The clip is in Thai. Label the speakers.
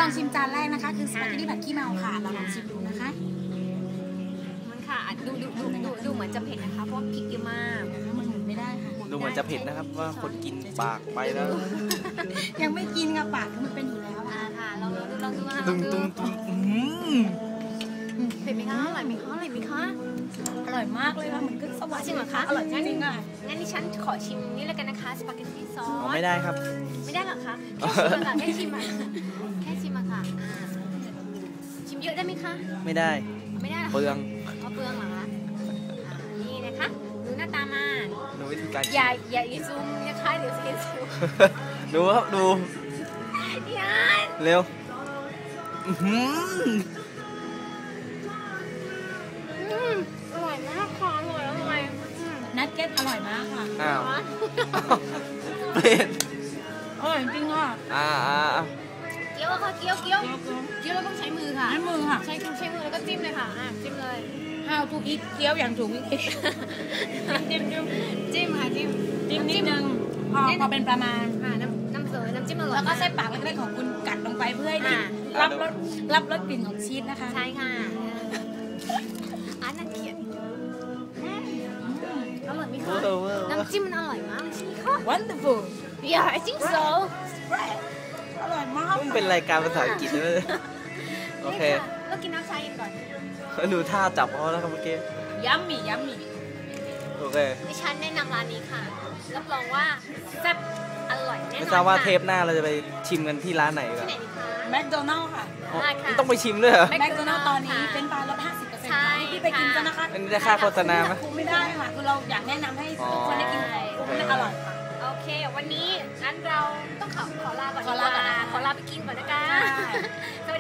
Speaker 1: ลองชิมจานแรกนะคะคือสปาเกตตี้ผัดขี้เมาค่ะเราลองชิมดูนะคะ
Speaker 2: มันค่ะดูเหมือนจะเผ็ดนะคะเพราะพริกเยอะมาก
Speaker 1: มันหมุนไม่ได้ค่ะ
Speaker 3: ดูเหมือนจะเผ็ดนะครับว่าคนกินปากไปแล้ว
Speaker 1: ยังไม่กินค่ะปากมันเป็นอยู่แล้ว
Speaker 2: ค่ะลองดูค่ะ
Speaker 3: ตึง
Speaker 2: เผ็ดไหมคะอร่อยไหมคะอ
Speaker 1: ร่อยมากเลยค่ะเหมือนขึ้นสวรรค์
Speaker 2: จริงเหรอคะ
Speaker 1: อร่อยจริงๆค่ะ
Speaker 2: งั้นดิฉันขอชิมนี่แล้วกันนะคะสปาเกตตี้ซอส
Speaker 3: ไม่ได้ครับ
Speaker 2: ไม่ได้หรอคะแค่ชิมอะค่ะชิมเยอะได้ไหมคะ
Speaker 3: ไม่ได้เปลือง
Speaker 2: เปลืองเหรอคะนี่นะคะดูหน้าตามา
Speaker 3: ดูวิธีการ
Speaker 2: อย่าซูมนะคะเดี๋ยวเสียซูม
Speaker 3: ดูครับดูเร็ว
Speaker 2: อร่อยมากค่ะอร่อย
Speaker 1: นัทเก็ตอร่อยมากค่ะ
Speaker 3: อ้าวเป็น
Speaker 1: อร่อยจริงค่ะ
Speaker 2: เกี๊ยวค่ะเกี๊ยวเราต้องใช้มือค่ะ
Speaker 1: ใช้มือค่ะ
Speaker 2: ใช้มือแล้วก็จิ้มเลยค่ะจิ้มเลย
Speaker 1: How to eat เกี๊ยวอย่างถูกวิธี
Speaker 2: จิ้มค่ะจิ้ม
Speaker 1: นิดนึงพอเป็นประมาณ
Speaker 2: น้ำจิ้มอร่อย
Speaker 1: แล้วก็ใส่ปากเล็กๆของคุณกัดลงไปเพื่อให้รับรสกลิ่นของชีสนะคะ
Speaker 2: ใช่ค่ะน่าเกลียดอร่อยไหมคะน้ำจิ้มมันอร่อยมากใช่ไหมคะ
Speaker 1: Wonderful
Speaker 2: Yeah I think so
Speaker 1: อร่อยมาก
Speaker 3: มันเป็นรายการภาษาอังกฤษเลยโอเค
Speaker 2: แล้วกินน้ำชาเย็นก่อน
Speaker 3: ดูท่าจับเขาแล้วครับเมื่อกี้
Speaker 1: ยัมมี่
Speaker 3: โอเค
Speaker 2: ดิฉันแนะนำร้านนี้ค่ะรับรองว่าแซ่บอร่อยแน่นอน
Speaker 3: ไม่ทราบว่าเทปหน้าเราจะไปชิมกันที่ร้านไหนกัน
Speaker 1: แมคโดนัลล์ค่ะ
Speaker 3: ต้องไปชิมด้วยเหรอ
Speaker 1: แมคโดนัลล์ตอนนี้เป็นปลาลด 50% ที่ไปกินกันนะคะ
Speaker 3: อันนี้ได้ค่าโฆษณาไหม
Speaker 1: ไม่ได้ค่ะคือเราอยากแนะนำให้ทุกคนได้กินมันอร่อยค่ะ
Speaker 2: โอเควันนี้งั้นเราต้องขอลาก่อนขอลาไปกินก่อนนะคะส